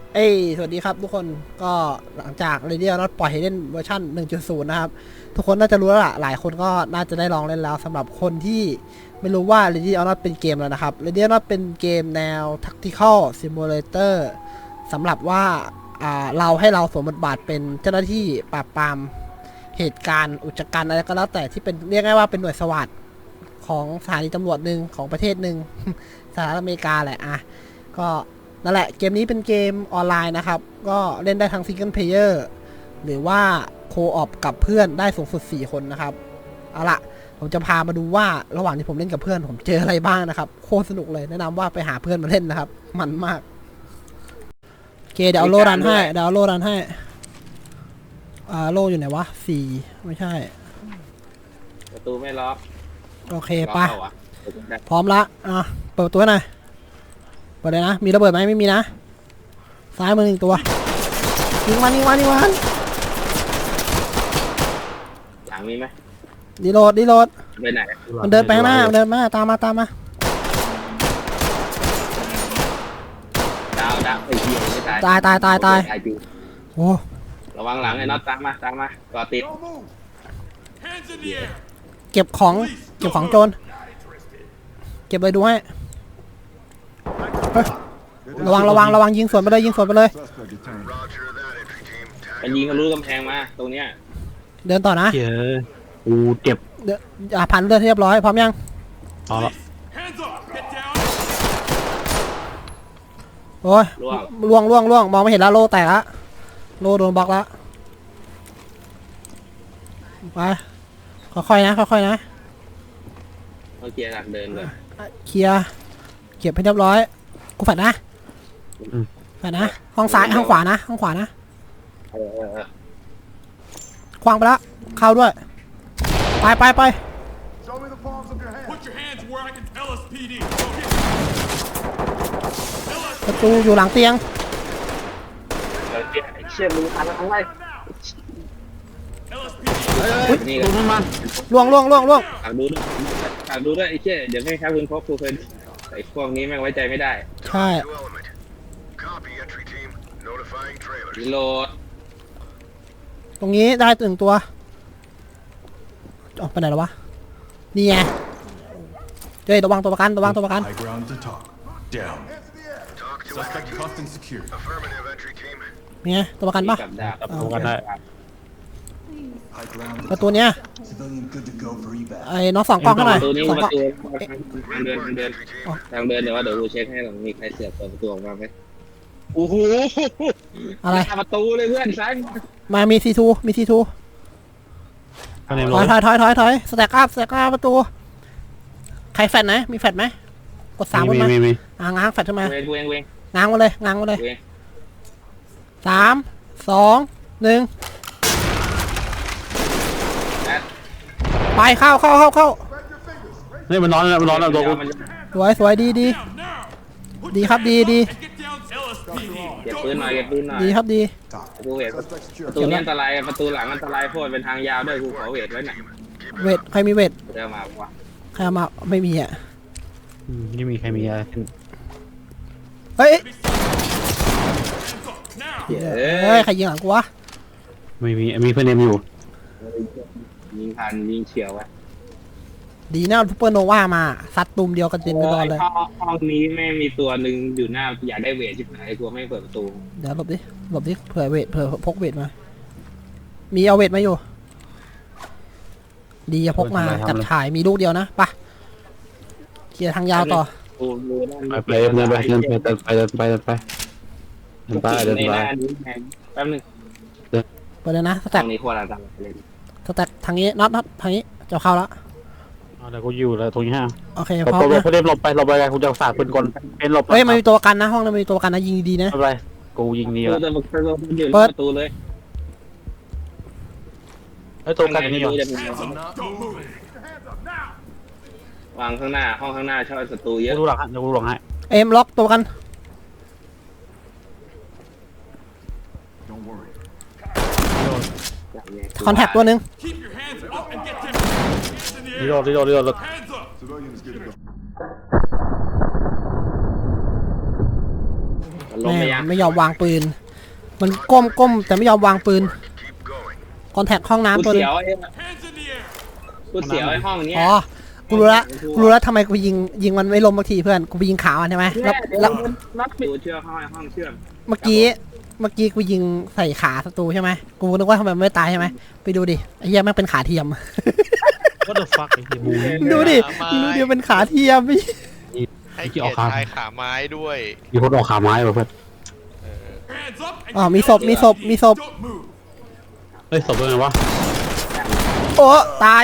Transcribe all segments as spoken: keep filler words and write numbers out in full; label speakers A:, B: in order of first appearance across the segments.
A: เอ้ยสวัสดีครับทุกคนก็หลังจาก Radio Not ปล่อยให้เล่นเวอร์ชัน หนึ่งจุดศูนย์ นะครับทุกคนน่าจะรู้แล้วล่ะหลายคนก็น่าจะได้ลองเล่นแล้วสำหรับคนที่ไม่รู้ว่า Radio Not เป็นเกมแล้วนะครับ Radio Not เป็นเกมแนว Tactical Simulator สำหรับว่าอ่าเราให้เราสวมบทบาทเป็นเจ้าหน้าที่ปราบปรามเหตุการณ์อุกชะกันอะไรก็แล้วแต่ที่เป็นเรียกง่ายว่าเป็นหน่วยสวัสดของสถานีตำรวจหนึ่งของประเทศหนึ่ง สหรัฐอเมริกาแหละอ่ะก็นั่นแหละเกมนี้เป็นเกมออนไลน์นะครับก็เล่นได้ทั้งซิงเกิลเพลเยอร์หรือว่าโคออปกับเพื่อนได้สูงสุดสี่คนนะครับเอาละผมจะพามาดูว่าระหว่างที่ผมเล่นกับเพื่อนผมเจออะไรบ้างนะครับโคตรสนุกเลยแนะนำว่าไปหาเพื่อนมาเล่นนะครับมันมากโอเคเดี๋ยวเอาโลรันให้เดี๋ยวเอาโลรันให้อ่าโลอยู่ไหนวะสี่ไม่ใช่
B: ประตูไม่ล็อก
A: โอเคไปพร้อมละอ่ะเปิดประตูหน่อยเปิดเลยนะมีระเบิดไหมไม่มีนะซ้ายมือหนึ่งตัวยิงมันยิงมันยิงมัน
B: หลังมีไหม
A: ดีโหลดดีโหลด
B: ไปไหน
A: มันเดินไปข้างหน้ามันเดินมาตามมาตามมา
B: ดาวดาวไอ้เหี้ยไม่ตาย
A: ตายตายตายตายโอ้
B: ระวังหลังไอ้น็อตตามมาตามมาก่อติด
A: เก็บของเก็บของโจรเก็บเลยดูให้ระวังระวังระวังยิงสวนไปเลยยิงสวนไปเลย
B: มันยิงทะลุกำแพงมาตรงเนี้ย
A: เดินต่อนะ
C: เจอกูเจ็บ
A: เดี๋ยวอ่าพันเลือดเรียบร้อยพร้อมยัง
C: พอแล้ว
A: โอ้ยล่วงล่วงล่วงมองไม่เห็นแล้วโลแตกละโลโดนบล็อกแล้วไปค่อยๆนะค่อยๆนะ
B: เขาเคลียร์หลักเดินเลย
A: เคลียร์เก็บให้เรียบร้อยกูฝันนะฝันนะห้องซ้ายห้องขวานะห้องขวานะควางไปแล้วเข้าด้วยไปไปไปประตูอยู่หลังเตียง
B: เชี่ยมือพันอะไร
C: นี่ดูมันมัน
A: ล่วงล่วงล่วงล่วง
B: ฝากดูด้วยฝากดูด้วยไอ้เชี่ยเดี๋ยวให้ครับคุณพกครูเคยไอ้พวกนี้แม่งไว้ใจไม่ได้
A: ใช่
B: รีโหลด
A: ตรงนี้ได้ตึงตัวออกไปไหนแล้ววะนี่ไงเฮ้ยระวังตัวประกันระวังตัวประกันนี่ไงตัวประกันปะ
C: ตัวกันได้
A: ประตูเนี้ยไอ้น้องสองกล้องเท่าไหร่สองกล้อง
B: ทางเดินทางเดินทางเดินเดี๋ยวว่าเดี๋ยวกูเช็คให้หลังมีใครเสียบเปิดประตูออกมาไหมโอ้โห
A: อะไร
B: ประตูเลยเพื่อนซ้าย
A: มามีซีทูมีซีทูถอยถอยถอยถอยถอยสแต็กอัพสแต็กอัพประตูใครแฟดไหนมีแฟดไหมกดสามขึ้นมาอ่างง้างแฟดขึ้นมาง้างมาเลยง้างมาเลยสามสองหนึ่งไปเข้าเข้าเข้าเข้า
C: นี่มันนอนมันนอนแล้วตัวกู
A: สวยสวยดีดีดีครับดีดี
B: เก็บปืนหน่อยเก็บปืนหน่อย
A: ดีครับดี
B: ประตูเวทประตูนี้อันตรายประตูหลังอันตรายโคตรเป็นทางยาวด้วยกูขอเวทไว้หน่อย
A: เวทใครมีเวท
B: เดี๋ยวมาวะ
A: ใครมาไม่มีอ่ะ
C: ไม่มีใครมีอะไร
A: เฮ้ยเฮ้ยใครยิงหลังกูวะ
C: ไม่มีมีเพื่อนเอ็มอยู่
B: ยิงพันยิงเฉียวไว้
A: ดีนะซูเปอร์โนวามาซัดตุ่มเดียวกันเต็มไปหมดเลย
B: ห้องนี้แม่มีตัวหนึ่งอยู่หน้าอยากได้เวทชิบหายกลัวไม่เปิดประตู
A: เดี๋ยวหลบดิหลบดิเผื่อเวทเผื่อพกเวทมามีเอาเวทมาอยู่ดีจะพกมาจับถ่ายมีลูกเดียวนะปะเคลียร์ทางยาวต่อ
C: ไปไปเดินไปเดินไปเดินไปเดินไปเดินไปเดินไปเดินไป
B: แป๊บนึง
A: ไปเลยนะสแต็ก
B: นี้ควรอะไรเลย
A: สแต็กทางนี้น็อตน็อตทางนี้จะเข้าแล้ว
C: เดี๋ยวกูอยู่เลยตรงนี้ฮะ
A: โอเคพอ
C: ตัวเพื่อนหลบไปหลบไปกันกูจะฝากปืนก่อนเป็นหลบ
A: เฮ้ยมันมีตัวกันนะห้องนั้นมีตัวกันนะยิงดีนะ
C: อะไรกูยิงดีแล้ว
B: เปิดประตูเลย
C: ไอ้ตัวกันนี่
B: วางข้างหน้าห้องข้างหน้าชอบศัตรูเยอะ
C: ดูหลังฮะดูหลังให้
A: เอ็มล็อกตัวกันคอนแทคตัวหนึ่ง
C: รีโหลดรีโหลดรีโหลด
B: ลง
A: แม่
B: ไป
A: ง
B: ยัง
A: ไม่ยอมวางปืน มันก้มก้มแต่ไม่ยอมวางปืนคอนแทคห้องน้ำ
B: กู
A: ตัวนึ
B: เสี
A: ง
B: ยวไอ้กูเสียวไอ้ห้องเนี้ย
A: อ๋อกูรู้ละกูรู้ละทำไมกูยิงยิงมันไม่ล้มบางทีเพื่อนกูไปยิงขามันใช่ไหมแล้วแล้ว
B: นัดดูเชื่อมห้องห้องเชื่อม
A: เมื่อกี้เมื่อกี้กูยิงใส่ขาศัตรูใช่ไหมกูนึกว่าทำไมมันไม่ตายใช่ไหมไปดูดิไอ้เหี้ยแม่งเป็นขาเทียม
D: What the fuck ไอ้เหี้ยบู
A: ดูดิดูดิเป็นขาเทียมพี่
D: ให้เกียรติชายขาไม้ด้วย
C: มีคนออกขาไม้ป่ะเพื่อน
D: เออ
A: อ๋อมีศพมีศพมีศพ
C: เฮ้ยศพเป็นไงวะ
A: โอ้ตาย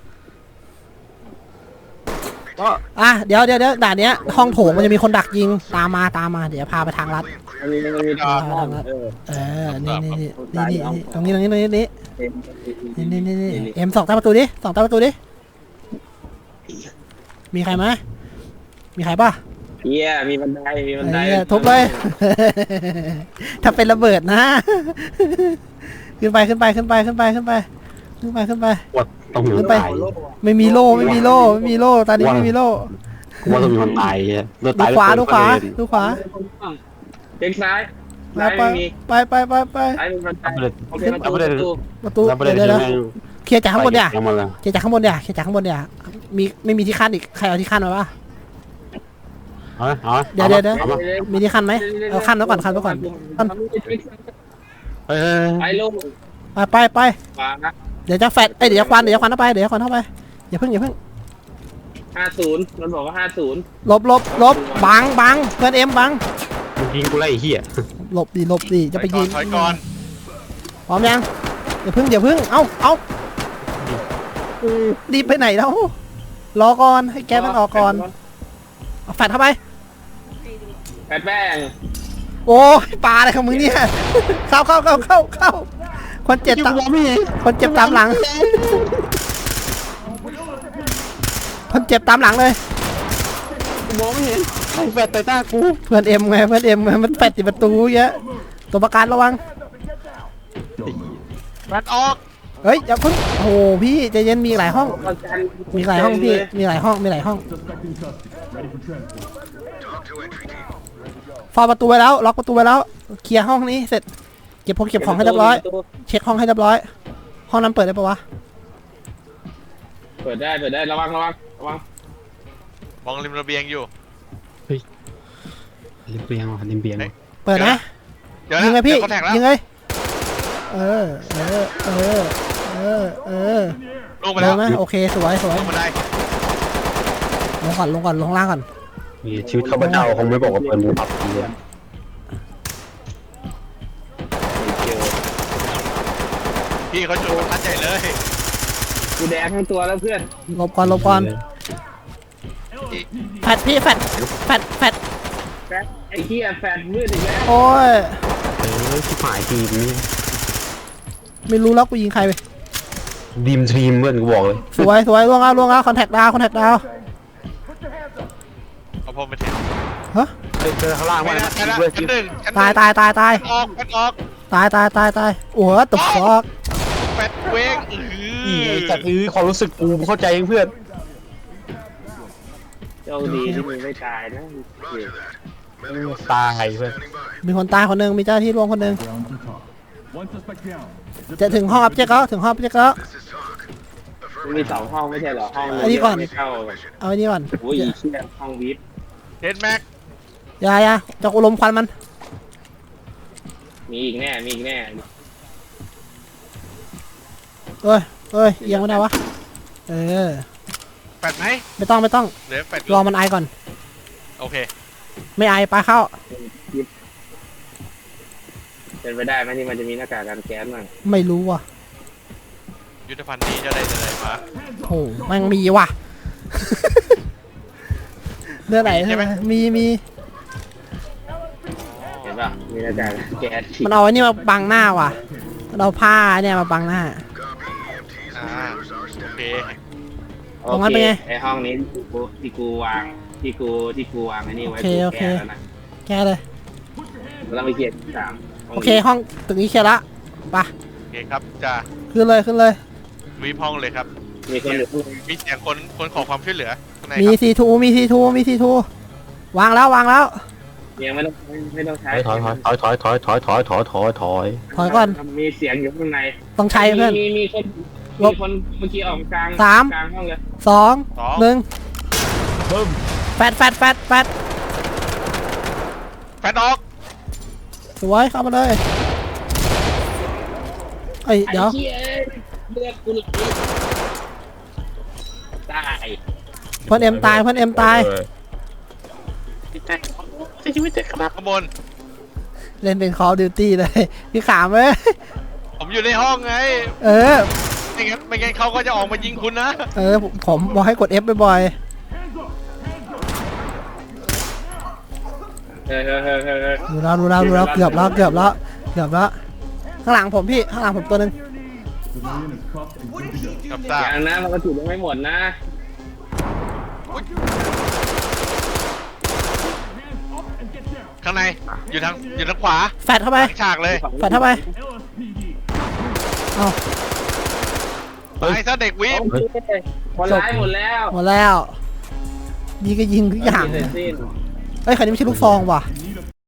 A: อ่ะเดี๋ยวเดี๋ยวเดี๋ยวด่านเนี้ยห้องโถงมันจะมีคนดักยิงตามมาตามมาเดี๋ยวพาไปทางลัด
B: มันมีมันมีทางห้องเออ
A: เออนี่นี่นี่นี่นี่ตรงนี้ตรงนี้ตรงนี้นี่นี่นี่นี่เอ็มสองตาประตูดิสองตาประตูดิมีใครไหมมีใครป่ะ
B: เฮียมีบันไดมีบันได
A: เออทุบเลย ถ้าเป็นระเบิดนะ ขึ้นไปขึ้นไปขึ้นไปขึ้นไปขึ้นไปขึ้นไปขึ้นไป
C: ว่าต้องมีคนตาย
A: ไม่มีโล่ไม่มีโล่ไม่มีโล่ตอนนี้ไม่มีโล่
C: กูว่าต้องมีคนตายเหี้ยโดน
A: ดู
C: ตาย
A: ขวาดูขวาดูขวา
B: เด็กซ้าย
A: ไป
B: ซ้าย
A: ไป
B: ไม่มี
A: ไปไปไปไป
B: ซ้ายมีบันได
C: เอาไปเลย
B: โอเคประตูประตู
A: ประตู
C: แล้วประเด็น
A: เดี๋ยว
C: คือ
A: เดี๋ยว
C: แม่ง
A: เคลียร์จากข้างบนเนี่ย
C: ยังมาเลย
A: เคลียร์จากข้างบนเนี่ยเคลียร์จากข้างบนเนี่ยมีไม่มีที่ขั้นอีกใครเอาที่ขั้นมาปะ
C: เอาไหมเอาไหม
A: เดี๋ยวเดี๋ยวเดี๋ยว
C: อาไหม
A: มีที่ขั้นไหมเอาขั้นไว้ก่อนขั้นไว้ก่อนขั้น
C: เฮ้ยเฮ้ย
B: ไอ้
C: เฮ้ย
B: ลูก
A: ไปไปไป
B: ขวา
A: เดี๋ยวจะแฟดเอ้ยเดี๋ยวจะควันเดี๋ยวจะควันเข้าไปเดี๋ยวจะควันเข้าไปอย่าเพิ่งอย่าเพิ่ง
B: ห้าศูนย์มันบอกว่าห้าศูนย์
A: หลบหลบหลบบังบังเพื่อนเอ็มบัง
C: มึงยิงกูไล่ไอ้เหี้ย
A: หลบดิหลบดิจะไปยิง
D: ถอยก่อน
A: พร้อมยังอย่าเพิ่งอย่าเพิ่งเอ้าเอ้ารีบไปไหนแล้วรอก่อนให้แกมันออกก่อนเอาแฟดเข้าไป
B: แปดแป้ง
A: โอ้ยปลาอะไรของมึงเนี่ย เข้าเข้าเข้าเข้าเข้าคนเจ็บตามคนเจ็บตามหลัง คนเจ็บตามหลังเลย
C: มองไม่เห็นใครแฟดแต่หน้ากู
A: เพื่อนเอ็มไงเพื่อนเอ็มไงมันแฟดติดประตูเยอะตัวประกันระวัง
D: แบตออก
A: เฮ้ยอย่าเพิ่งโอ้โหพี่ใจเย็นมีหลายห้อง
B: ประกัน
A: มีหลายห้องพี่มีหลายห้องมีหลายห้องฟอประตูไว้แล้วล็อกประตูไว้แล้วเคลียร์ห้องนี้เสร็จเก็บพวกเก็บของให้เรียบร้อยเช็คห้องให้เรียบร้อยห้องนั้นเปิดได้ปะวะ
B: เปิดได้เปิดได้ระวังระวังระวัง
D: มองริมระเบียงอยู่
C: ริมเบียงว่ะริมเบียงว่ะ
A: เปิดนะ
D: เดี๋ยว
A: ยิง
D: นะ
A: เลยพี่
D: เดี๋ยวเขาแท็กแล้ว
A: ยิงเลยเออเออเออเออเออ
D: ลงไป
A: ล
D: แล้ว
A: งไหมโอเคสวยสวย
D: ลงมาได้
A: ลงก่อนลงก่อนลงล่างก่อน
C: มีชีวิตข้าพเจ้าคงไม่บอกว่าเปิดมือปรับทีเลย
B: เจอ
D: พี่เขาจุดประทัดใหญ่เลย
B: กูแดงทั้งตัวแล้วเพื่อน
A: หลบก่อนหลบก่อน
D: อีก
A: แฟดพี่แฟดแฟดแฟด
B: แฟดไอ้เหี้ยแฟดมืดอีกแล้ว
A: โอ้ย
C: เออชิบหายทีมนี่
A: ไม่รู้แล้วกูยิงใครไป
C: ดีมทีมเพื่อนกูบอกเลย
A: สวยสวยล่วงแล้วล่วงแล้วคอนแทคดาวคอนแทคดาว
D: เอาพรมไปเท
A: ฮะ
C: เฮ้ยเจอข้างล่าง
D: ไม่
C: ว่า
D: ได้ไม่ได้
C: ด้วย
D: ชั้นหนึ่งชั้นห
A: ตาย
D: นึ่ง
A: ตายตายตาย
D: ออกแบตออก
A: ตายตายตายตายโอ้โหตบฟอก
D: แบตเวงอื
C: อี
D: อ
C: จัดอื้อความรู้สึกกูเข้าใจเพื่อน
B: โชคดีที่มึงไม่ตายนะ
C: ตายเพื่อน
A: มีคนตายคนหนึ่งมีเจ้าหน้าที่ร่วมคนหนึ่งจะถึงห้องอัพเจ๊ก็ถึงห้องอัพเจ๊ก็
B: มันมีสองห้องไม่ใช่เหรอห้อง
A: อันนี้ก่อน
B: ไม่เข้า
A: เอาไอ้นี่ก่อน
B: โอ้ยเชี่ยห้องวิทย์
D: เห็นแม็ก
A: อย่าอย่าจะกูลมควันมัน
B: มีอีกแน่มีอีกแน่
A: เอ้ยเอ้ยเอียงไม่ได้วะเออ
D: แบตไหม
A: ไม่ต้องไม่ต้อง
D: เหลือแบต
A: รอมันไอก่อน
D: โอเค
A: ไม่ไอปลาเข้า
B: เป็นไปได้ไหมที่มันจะมีหน้ากากกันแก๊สมั่ง
A: ไม่รู้ว่ะ
D: ยุทธภัณฑ์นี้จะได้จะได้มา
A: โอ้แม่งมีว่ะ เรื่องไหนใช่ไหมมีมี
B: เห็นป่ะมีหน้ากากกันแก๊สฉีด
A: มันเอาไอ้นี่มาบังหน้าว่ะมันเอาผ้าเนี่ยมาบังหน้า
D: อ่าโอเค
A: ตรงนั้นเป็นไง
B: ไอห้องนี้ที่กูที่กูวางที่กูที่กูวางไอ้นี่ไว้
A: โอเค
B: กู
A: โอเค
B: แก้แล้วนะ
A: แกเลย
B: เราต้องไปเคลียร์ที่สาม
A: โอเคห้องตึกนี้เคลียร์ละไป
D: โอเคครับจะ
A: ขึ้นเลยขึ้นเลย
D: วีห้องเลยครับ
B: มีคนอยู่ข้างบน
D: มีเสียงคนคนขอความช่วยเหลือข้างใน
A: มี
D: ครับ
A: ซีทูมีซีทูมีซีทูวางแล้ววางแล้ว
B: ยังไม่ต้องไม่ต้องใช้
C: ถอยถอยถอยถอยถอยถอยถอยถอยถอยถอย
A: ถอยก่อน
B: มีเสียงอยู่ข้างใน
A: ต้องใช้เพื่อน
B: มีมีคน
A: ล
B: มี
A: บ
B: คนเมื่อกี้ออกกลาง
A: สาม
B: กลางห้องเลย
A: สอง
D: สอง
A: หนึ่ง
C: บึ้ม
A: แฟดแฟดแฟดแฟด
D: แฟนออก
A: สวยเข้ามาเลยเอ้ยเดี๋ยว
B: ไอ้เหี้ยเลือดกูไหลตาย
A: เพื่อนเอ็มตายเพื่อนเอ็มตาย
D: ข้างบน
A: เล่นเป็น Call of Duty เลย พี่ขามเลย
D: ผมอยู่ในห้องไง
A: เออ
D: ไม่งั้นไม่งั้นเขาก็จะออกมายิงคุณนะ
A: เออผมผมบอกให้กด F บ่อย
B: เฮ้ยเฮ้ยเฮ้ยเฮ้ยเฮ้ย
A: ๆดูแล้วดูแล้วดูแล้วเกือบแล้วเกือบแล้วเกือบแล้วข้างหลังผมพี่ข้างหลังผมตัวหนึง
D: กับตา
B: อย่างนะมันกระสุนยังไม่หมดนะ
D: ข้างในอยู่ทางอยู่ทางขวา
A: แฟดเข้าไป
D: หลังฉากเลย
A: แฟดเข้าไปเอา
D: ไปซะเด็กวิป
B: โอเคคนร้ายหมดแล้ว
A: หมดแล้วยิงก็ยิงทุกอย่าง
B: เสร็จสิ้น
A: เฮ้ยคันนี้ไม่ใช่ลูกซองว่ะ